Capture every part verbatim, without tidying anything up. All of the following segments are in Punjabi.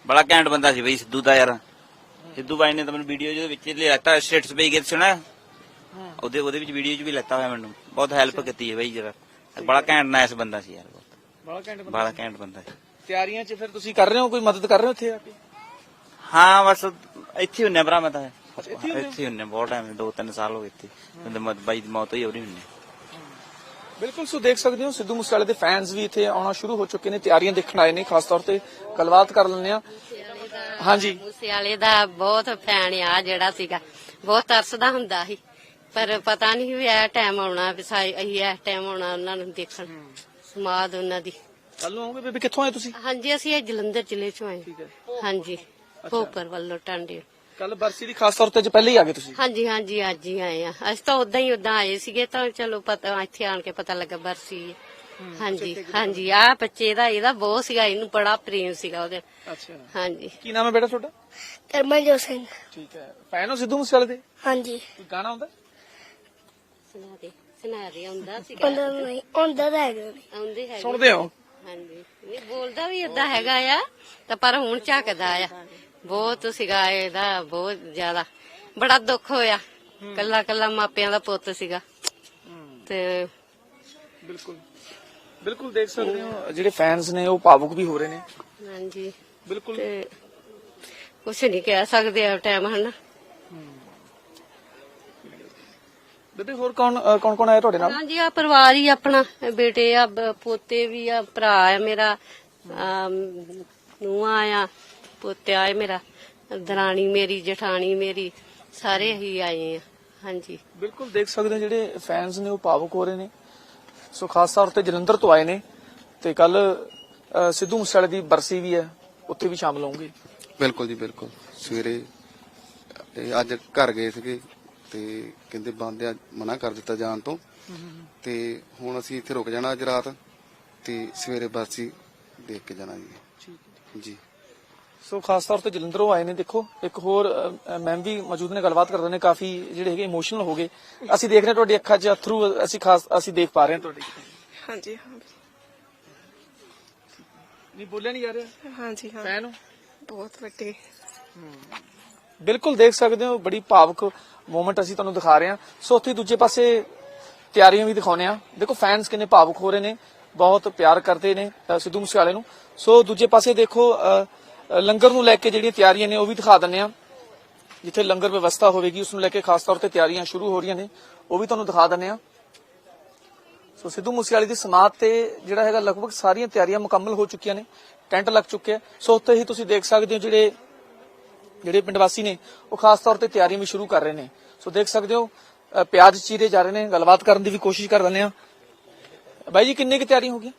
बड़ा घैंट बंदा सी बई सिद्धू दा यार। सिद्धू बाई ने तो मैंने वीडियो जो विच लेता स्टेटस पे गए सुना ਉਹਦੇ ਉਹਦੇ ਵਿੱਚ ਵੀਡੀਓ 'ਚ ਵੀ ਲੈਤਾ ਹੋਇਆ ਮੈਨੂੰ ਬਹੁਤ ਹੈਲਪ ਕੀਤੀ ਹੈ ਬਈ ਜਰਾ ਬੜਾ ਘੈਂਟ ਨਾਈਸ ਬੰਦਾ ਸੀ ਯਾਰ ਬੜਾ ਘੈਂਟ ਬੰਦਾ ਬੜਾ ਘੈਂਟ ਬੰਦਾ ਸੀ। ਤਿਆਰੀਆਂ 'ਚ ਫਿਰ ਤੁਸੀਂ ਕਰ ਰਹੇ ਹੋ ਕੋਈ ਮਦਦ ਕਰ ਰਹੇ ਹੋ ਇੱਥੇ ਆ ਕੇ? ਹਾਂ ਬਸ ਇੱਥੇ ਹੁੰਨੇ ਭਰਾ ਮੈਂ ਤਾਂ ਇੱਥੇ ਹੁੰਨੇ ਬਹੁਤ ਟਾਈਮ ਦੋ ਤਿੰਨ ਸਾਲ ਹੋ ਗਏ ਇੱਥੇ ਬਾਈ ਦੀ ਮੌਤ ਹੋਈ ਉਹਦੀ ਹੁੰਨੇ। ਬਿਲਕੁਲ ਸੋ ਦੇਖ ਸਕਦੇ ਹੋ ਸਿੱਧੂ ਮੂਸੇਵਾਲੇ ਦੇ ਫੈਨਸ ਵੀ ਇੱਥੇ ਆਉਣਾ ਸ਼ੁਰੂ ਹੋ ਚੁੱਕੇ ਨੇ, ਤਿਆਰੀਆਂ ਦੇਖਣ ਆਏ ਨੇ, ਖਾਸ ਤੌਰ ਤੇ ਗੱਲਬਾਤ ਕਰ ਲੈਂਦੇ ਆ। ਹਾਂਜੀ ਮੂਸੇਵਾਲੇ ਦਾ ਬਹੁਤ ਫੈਨ ਆ ਜਿਹੜਾ ਸੀਗਾ, ਬਹੁਤ ਤਰਸਦਾ ਹੁੰਦਾ ਸੀ ਪਰ ਪਤਾ ਨਹੀਂ ਵੀ ਇਹ ਟਾਈਮ ਆਉਣਾ ਵੀ ਅਸੀਂ ਇਸ ਟਾਈਮ ਆਉਣਾ ਉਹਨਾਂ ਨੂੰ ਦੇਖਣ ਸਮਾਧ ਉਹਨਾਂ ਦੀ। ਕੱਲ ਨੂੰ ਆਉਂਗੇ ਬੇਬੀ, ਕਿੱਥੋਂ ਆਏ ਤੁਸੀਂ? ਹਾਂਜੀ ਅਸੀਂ ਇਹ ਜਲੰਧਰ ਜ਼ਿਲ੍ਹੇ ਚੋਂ ਆਏ। ਹਾਂਜੀ ਭੋਪਰ ਵੱਲੋਂ ਟਾਂਡੇ। ਕੱਲ ਬਰਸੀ ਦੀ ਖਾਸ ਤੌਰ ਤੇ ਅੱਜ ਪਹਿਲੇ ਹੀ ਆ ਗਏ ਤੁਸੀਂ? ਹਾਂਜੀ ਹਾਂਜੀ ਅੱਜ ਹੀ ਆਏ ਆ, ਅਸੀਂ ਤਾਂ ਉਦਾਂ ਹੀ ਉਦਾਂ ਆਏ ਸੀਗੇ ਤਾਂ ਚਲੋ ਪਤਾ ਇੱਥੇ ਆਣ ਕੇ ਪਤਾ ਲੱਗਾ ਬਰਸੀ ਹੈ। ਹਾਂਜੀ ਹਾਂਜੀ ਆ ਬੱਚੇ ਦਾ ਇਹਦਾ ਬਹੁਤ ਸੀਗਾ, ਇਹਨੂੰ ਬੜਾ ਪ੍ਰੇਮ ਸੀਗਾ ਉਹਦੇ। ਅੱਛਾ ਹਾਂਜੀ ਕੀ ਨਾਮ ਹੈ ਬੇਟਾ ਤੁਹਾਡਾ? ਕਰਮਜੋਤ ਸਿੰਘ। ਠੀਕ ਹੈ, ਫੈਨ ਹੋ ਸਿੱਧੂ ਮੂਸੇਵਾਲੇ ਦੇ? ਹਾਂਜੀ ਕੋਈ ਗਾਣਾ ਆਉਂਦਾ? ਸੁਨਾਰੇ ਸੁਨਾਰੇ ਆਉਂਦਾ ਸੀਗਾ, ਉਹਨਾਂ ਨੂੰ ਨਹੀਂ ਆਉਂਦਾ ਤਾਂ ਹੈਗਾ ਨਹੀਂ। ਆਉਂਦੇ ਹੈਗੇ ਸੁਣਦੇ ਹੋ? ਹਾਂਜੀ ਨਹੀਂ ਬੋਲਦਾ ਵੀ ਏਦਾਂ ਹੈਗਾ ਆ ਤਾਂ ਪਰ ਹੁਣ ਝੱਕਦਾ ਆ ਬਹੁਤ ਸੀਗਾ ਇਹਦਾ, ਬਹੁਤ ਜ਼ਿਆਦਾ ਬੜਾ ਦੁੱਖ ਹੋਇਆ। ਕੱਲਾ ਕੱਲਾ ਮਾਪਿਆਂ ਦਾ ਪੁੱਤ ਸੀਗਾ ਤੇ ਬਿਲਕੁਲ ਬਿਲਕੁਲ ਦੇਖ ਸਕਦੇ ਹੋ ਜਿਹੜੇ ਫੈਨਸ ਨੇ ਉਹ ਭਾਵੁਕ ਵੀ ਹੋ ਰਹੇ ਨੇ। ਹਾਂਜੀ ਬਿਲਕੁਲ ਤੇ ਕੁਛ ਨਹੀਂ ਕਹਿ ਸਕਦੇ ਆ ਟਾਈਮ ਹਨਾ। ਬੇਬੇ ਹੋਰ ਕੌਣ ਕੌਣ ਕੌਣ ਆਇਆ ਤੁਹਾਡੇ ਨਾਲ? ਹਾਂਜੀ ਆ ਪਰਿਵਾਰ ਹੀ ਆਪਣਾ, ਬੇਟੇ ਆ ਬ- ਪੋਤੇ ਵੀ ਆ, ਭਰਾ ਆ ਮੇਰਾ, ਨੂੰਹਾਂ ਆ, ਪੋਤਿਆ ਆ ਮੇਰਾ, ਦਰਾਣੀ ਮੇਰੀ, ਜਠਾਣੀ ਮੇਰੀ, ਸਾਰੇ ਹੀ ਆਏ ਆ। ਹਾਂਜੀ ਬਿਲਕੁਲ ਦੇਖ ਸਕਦੇ ਹੋ ਜਿਹੜੇ ਫੈਨਸ ਨੇ ਉਹ ਭਾਵੁਕ ਹੋ ਰਹੇ ਨੇ। ਸੋ ਖਾਸ ਤੌਰ ਤੇ ਜਲੰਧਰ ਤੋਂ ਆਏ ਨੇ ਤੇ ਕੱਲ ਸਿੱਧੂ ਮੂਸੇਵਾਲੇ ਦੀ ਬਰਸੀ ਵੀ ਹੈ, ਉੱਥੇ ਵੀ ਸ਼ਾਮਲ ਹੋਣਗੇ। ਬਿਲਕੁਲ ਜੀ ਬਿਲਕੁਲ। ਸਵੇਰੇ ਇਹ ਅੱਜ ਘਰ ਗਏ ਸੀਗੇ ਤੇ ਕਹਿੰਦੇ ਬੰਦ ਆ, ਮਨਾ ਕਰ ਦਿੱਤਾ ਜਾਣ ਤੋਂ, ਤੇ ਹੁਣ ਅਸੀਂ ਇੱਥੇ ਰੁਕ ਜਾਣਾ ਅੱਜ ਰਾਤ ਤੇ ਸਵੇਰੇ ਬਰਸੀ ਦੇਖ ਕੇ ਜਾਣਾ ਜੀ। ਜੀ ਸੋ ਖਾਸ ਤੌਰ ਤੇ ਜਲੰਧਰੋਂ ਆਏ ਨੇ। ਦੇਖੋ ਇੱਕ ਹੋਰ ਮੈਮ ਵੀ ਮੌਜੂਦ ਨੇ, ਗੱਲਬਾਤ ਕਰਦੇ ਨੇ, ਕਾਫੀ ਜਿਹੜੇ ਹੈਗੇ ਇਮੋਸ਼ਨਲ ਹੋ ਗਏ। ਅਸੀਂ ਦੇਖ ਰਹੇ ਹਾਂ ਤੁਹਾਡੀ ਅੱਖਾਂ 'ਚ ਅਥਰੂ, ਅਸੀਂ ਖਾਸ ਅਸੀਂ ਦੇਖ ਪਾ ਰਹੇ ਹਾਂ ਤੁਹਾਡੀ। ਹਾਂਜੀ ਹਾਂ ਨਹੀਂ ਬੋਲਿਆ ਨਹੀਂ ਜਾ ਰਿਹਾ। ਹਾਂਜੀ ਹਾਂ ਫੈਨ ਹੋ? ਬਹੁਤ ਵੱਡੇ। ਬਿਲਕੁਲ ਦੇਖ ਸਕਦੇ ਹੋ ਬੜੀ ਭਾਵੁਕ ਮੂਮੈਂਟ ਅਸੀਂ ਤੁਹਾਨੂੰ ਦਿਖਾ ਰਹੇ ਹਾਂ। ਸੋ ਉੱਥੇ ਦੂਜੇ ਪਾਸੇ ਤਿਆਰੀਆਂ ਵੀ ਦਿਖਾਉਣੇ ਆ। ਦੇਖੋ ਫੈਨਸ ਕਿੰਨੇ ਭਾਵੁਕ ਹੋ ਰਹੇ ਨੇ, ਬਹੁਤ ਪਿਆਰ ਕਰਦੇ ਨੇ ਅ, ਸਿੱਧੂ ਮੂਸੇਵਾਲੇ ਨੂੰ। ਸੋ ਦੂਜੇ ਪਾਸੇ ਦੇਖੋ ਅ, ਲੰਗਰ ਨੂੰ ਲੈ ਕੇ ਜਿਹੜੀਆਂ ਤਿਆਰੀਆਂ ਨੇ ਉਹ ਵੀ ਦਿਖਾ ਦਿੰਦੇ ਆ। ਜਿੱਥੇ ਲੰਗਰ ਵਿਵਸਥਾ ਹੋਵੇਗੀ ਉਸ ਨੂੰ ਲੈ ਕੇ ਖਾਸ ਤੌਰ ਤੇ ਤਿਆਰੀਆਂ ਸ਼ੁਰੂ ਹੋ ਰਹੀਆਂ ਨੇ, ਉਹ ਵੀ ਤੁਹਾਨੂੰ ਦਿਖਾ ਦਿੰਦੇ ਆ। ਸੋ ਸਿੱਧੂ ਮੂਸੇਵਾਲੇ ਦੀ ਸਮਾਧ ਤੇ ਜਿਹੜਾ ਹੈਗਾ ਲਗਭਗ ਸਾਰੀਆਂ ਤਿਆਰੀਆਂ ਮੁਕੰਮਲ ਹੋ ਚੁੱਕੀਆਂ ਨੇ, ਟੈਂਟ ਲੱਗ ਚੁੱਕੇ ਆ। ਸੋ ਉੱਥੇ ਹੀ ਤੁਸੀਂ ਦੇਖ ਸਕਦੇ ਹੋ ਜਿਹੜੇ ਜਿਹੜੇ ਪਿੰਡ ਵਾਸੀ ਨੇ ਉਹ ਖਾਸ ਤੌਰ ਤੇ ਤਿਆਰੀਆਂ ਵੀ ਸ਼ੁਰੂ ਕਰ ਰਹੇ ਨੇ। ਸੋ ਦੇਖ ਸਕਦੇ ਹੋ ਅ, ਪਿਆਜ਼ ਚੀਰੇ ਜਾ ਰਹੇ ਨੇ। ਗੱਲਬਾਤ ਕਰਨ ਦੀ ਵੀ ਕੋਸ਼ਿਸ਼ ਕਰ ਲੈਂਦੇ ਆ। ਬਾਈ ਜੀ ਕਿੰਨੇ ਕੁ ਤਿਆਰੀਆਂ ਹੋ ਗਈਆਂ?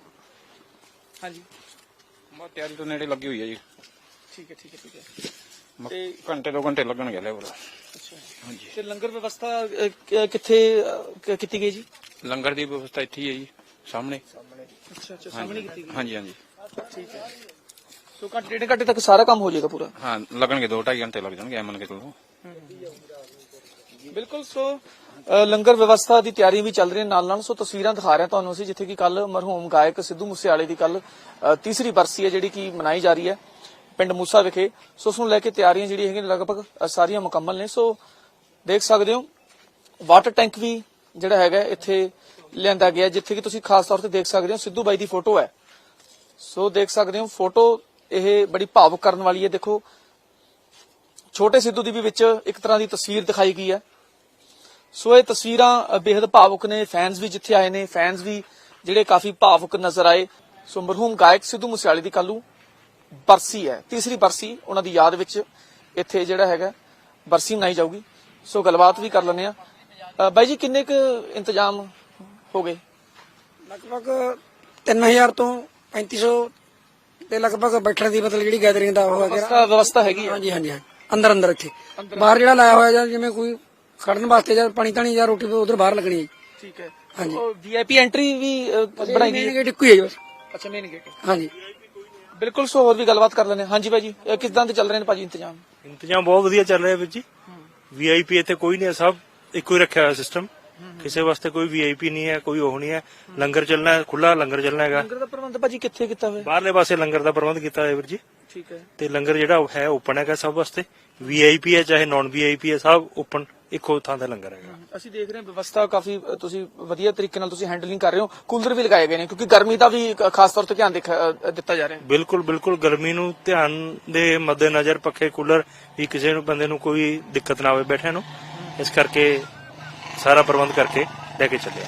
ਹਾਂਜੀ ਬਹੁਤ ਤਿਆਰੀ ਤੋਂ ਨੇੜੇ ਲੱਗੀ ਹੋਈ ਹੈ ਜੀ। ਠੀਕ ਹੈ ਠੀਕ ਹੈ ਠੀਕ ਹੈ। ਤੇ ਘੰਟੇ ਦੋ ਘੰਟੇ ਲੱਗਣਗੇ ਲੈਵਲ। ਅੱਛਾ ਹਾਂਜੀ। ਤੇ ਲੰਗਰ ਵਿਵਸਥਾ ਅ, ਕ- ਕਿੱਥੇ ਅ, ਕੀਤੀ ਗਈ ਜੀ? ਲੰਗਰ ਦੀ ਵਿਵਸਥਾ ਇੱਥੇ ਹੀ ਹੈ ਜੀ, ਸਾਹਮਣੇ। ਅੱਛਾ ਅੱਛਾ ਸਾਹਮਣੇ ਕੀਤੀ ਗਈ। ਹਾਂਜੀ ਹਾਂਜੀ ਠੀਕ ਹੈ। ਸੋ ਘੰਟੇ ਡੇਢ ਘੰਟੇ ਤੱਕ ਸਾਰਾ ਕੰਮ ਹੋ ਜਾਏਗਾ ਪੂਰਾ? ਹਾਂ ਲੱਗਣਗੇ, ਦੋ ਢਾਈ ਘੰਟੇ ਲੱਗ ਜਾਣਗੇ ਐਮਨ ਕੇ ਚਲੋ। ਬਿਲਕੁਲ। ਸੋ ਅ, ਲੰਗਰ ਵਿਵਸਥਾ ਦੀ ਤਿਆਰੀ ਵੀ ਚੱਲ ਰਹੀ ਹੈ ਨਾਲ ਨਾਲ। ਸੋ ਤਸਵੀਰਾਂ ਦਿਖਾ ਰਹੇ ਹਾਂ ਤੁਹਾਨੂੰ ਅਸੀਂ, ਜਿੱਥੇ ਕਿ ਕੱਲ ਮਰਹੂਮ ਗਾਇਕ ਸਿੱਧੂ ਮੂਸੇਵਾਲੇ ਦੀ ਕੱਲ ਤੀਸਰੀ ਬਰਸੀ ਹੈ ਜਿਹੜੀ ਕਿ ਮਨਾਈ ਜਾ ਰਹੀ ਹੈ ਪਿੰਡ ਮੂਸਾ ਵਿਖੇ। ਸੋ ਉਸ ਨੂੰ ਲੈ ਕੇ ਤਿਆਰੀਆਂ ਜਿਹੜੀਆਂ ਹੈਗੀਆਂ ਲਗਭਗ ਅ, ਸਾਰੀਆਂ ਮੁਕੰਮਲ ਨੇ। ਸੋ ਦੇਖ ਸਕਦੇ ਹੋ ਵਾਟਰ ਟੈਂਕ ਵੀ ਜਿਹੜਾ ਹੈਗਾ ਇੱਥੇ ਲਿਆਂਦਾ ਗਿਆ, ਜਿੱਥੇ ਕਿ ਤੁਸੀਂ ਖਾਸ ਤੌਰ ਤੇ ਦੇਖ ਸਕਦੇ ਹੋ ਸਿੱਧੂ ਬਾਈ ਦੀ ਫੋਟੋ ਹੈ। ਸੋ ਦੇਖ ਸਕਦੇ ਹੋ ਫੋਟੋ ਇਹ ਬੜੀ ਭਾਵੁਕ ਕਰਨ ਵਾਲੀ ਹੈ। ਦੇਖੋ ਛੋਟੇ ਸਿੱਧੂ ਦੀ ਵੀ ਵਿੱਚ ਇੱਕ ਤਰ੍ਹਾਂ ਦੀ ਤਸਵੀਰ ਦਿਖਾਈ ਗਈ ਹੈ। ਸੋ ਇਹ ਤਸਵੀਰਾਂ ਬੇहद ਭਾਵੁਕ ਨੇ। ਫੈਨਸ ਵੀ ਜਿੱਥੇ ਆਏ ਨੇ, ਫੈਨਸ ਵੀ ਜਿਹੜੇ ਕਾਫੀ ਭਾਵੁਕ ਨਜ਼ਰ ਆਏ। ਸੋ ਮਰਹੂਮ ਗਾਇਕ ਸਿੱਧੂ ਮੂਸੇਵਾਲੇ ਦੀ ਕੱਲ੍ਹ ਨੂੰ ਬਰਸੀ ਹੈ, ਤੀਸਰੀ ਬਰਸੀ ਉਹਨਾਂ ਦੀ ਯਾਦ ਵਿੱਚ ਇੱਥੇ ਜਿਹੜਾ ਹੈਗਾ ਬਰਸੀ ਮਨਾਈ ਜਾਊਗੀ। ਸੋ ਗੱਲਬਾਤ ਵੀ ਕਰ ਲੈਂਦੇ ਆ। ਬਾਈ ਜੀ ਕਿੰਨੇ ਕੁ ਇੰਤਜ਼ਾਮ ਹੋ ਗਏ? ਲਗਭਗ ਤਿੰਨ ਹਜ਼ਾਰ ਤੋਂ ਪੈਂਤੀ ਸੌ ਦੇ ਲਗਭਗ ਬੈਠਣ ਦੀ ਮਤਲਬ ਜਿਹੜੀ ਗੈਦਰਿੰਗ ਦਾ ਉਹ ਵਿਵਸਥਾ ਵਿਵਸਥਾ ਹੈਗੀ ਹੈ? ਹਾਂਜੀ ਹਾਂਜੀ ਅੰਦਰ ਅੰਦਰ ਇੱਥੇ ਬਾਹਰ ਜਿਹੜਾ ਲਾਇਆ ਹੋਇਆ ਜਾਂ ਜਿਵੇਂ ਕੋਈ ਖੜਨ ਵਾਸਤੇ ਜਾਂ ਪਾਣੀ ਤਾਣੀ ਜਾਂ ਰੋਟੀ ਉਧਰ ਬਾਹਰ ਲੱਗਣੀ ਹੈ। ਠੀਕ ਹੈ। ਹਾਂਜੀ ਵੀਆਈਪੀ ਐਂਟਰੀ ਵੀ ਅ, ਬਣਾਈ ਗਈ ਮੇਨ ਹੈ? ਗੇਟ ਇੱਕੋ ਹੀ ਹੈ ਜੀ ਬਸ। ਅੱਛਾ ਮੇਨ ਗੇਟ। ਹਾਂਜੀ ਬਿਲਕੁਲ। ਸੋ ਹੋਰ ਵੀ ਗੱਲਬਾਤ ਕਰ ਲੈਂਦੇ ਹਾਂ। ਹਾਂਜੀ ਭਾਜੀ ਅ, ਕਿਸ ਤਰ੍ਹਾਂ ਦੇ ਚੱਲ ਰਹੇ ਨੇ ਭਾਜੀ ਇੰਤਜ਼ਾਮ? ਇੰਤਜ਼ਾਮ ਬਹੁਤ ਵਧੀਆ ਚੱਲ ਰਿਹਾ ਵੀਰ ਜੀ। ਵੀਆਈਪੀ ਇੱਥੇ ਕੋਈ ਨਹੀਂ ਹੈ, ਸਭ ਇੱਕੋ ਹੀ ਰੱਖਿਆ ਹੋਇਆ ਸਿਸਟਮ। ਕਿਸੇ ਵਾਸਤੇ ਕੋਈ ਵੀਆਈਪੀ ਨਹੀਂ ਹੈ, ਕੋਈ ਉਹ ਨਹੀਂ ਹੈ। ਲੰਗਰ ਚੱਲਣਾ ਹੈ, ਖੁੱਲਾ ਲੰਗਰ ਚੱਲਣਾ ਹੈਗਾ। ਲੰਗਰ ਦਾ ਪ੍ਰਬੰਧ ਭਾਜੀ ਕਿੱਥੇ ਕੀਤਾ ਹੋਇਆ? ਬਾਹਰਲੇ ਪਾਸੇ ਲੰਗਰ ਦਾ ਪ੍ਰਬੰਧ ਕੀਤਾ ਹੋਇਆ ਵੀਰ ਜੀ। ਠੀਕ ਹੈ। ਤੇ ਲੰਗਰ ਜਿਹੜਾ ਉਹ ਹੈ ਓਪਨ ਹੈਗਾ ਸਭ ਵਾਸਤੇ, ਵੀਆਈਪੀ ਹੈ ਚਾਹੇ ਨਾਨ ਵੀਆਈਪੀ ਹੈ, ਸਭ ਓਪਨ ਇੱਕੋ ਥਾਂ ਦਾ ਲੰਗਰ ਹੈਗਾ। ਅਸੀਂ ਦੇਖ ਰਹੇ ਹਾਂ ਵਿਵਸਥਾ ਕਾਫੀ ਅ, ਤੁਸੀਂ ਵਧੀਆ ਤਰੀਕੇ ਨਾਲ ਤੁਸੀਂ ਹੈਂਡਲਿੰਗ ਕਰ ਰਹੇ ਹੋ। ਕੂਲਰ ਵੀ ਲਗਾਏ ਗਏ ਨੇ ਕਿਉਂਕਿ ਗਰਮੀ ਦਾ ਵੀ ਇੱਕ ਖਾਸ ਤੌਰ ਤੇ ਧਿਆਨ ਦੇਖਿਆ- ਅ, ਦਿੱਤਾ ਜਾ ਰਿਹਾ ਹੈ। ਬਿਲਕੁਲ ਬਿਲਕੁਲ ਗਰਮੀ ਨੂੰ ਧਿਆਨ ਦੇ ਮੱਦੇਨਜ਼ਰ ਪੱਖੇ ਕੂਲਰ ਵੀ ਕਿਸੇ ਨੂੰ ਬੰਦੇ ਨੂੰ ਕੋਈ ਦਿੱਕਤ ਨਾ ਆਵੇ ਬੈਠਿਆਂ ਨੂੰ, ਇਸ ਕਰਕੇ ਸਾਰਾ ਪ੍ਰਬੰਧ ਕਰਕੇ ਲੈ ਕੇ ਚੱਲਿਆ।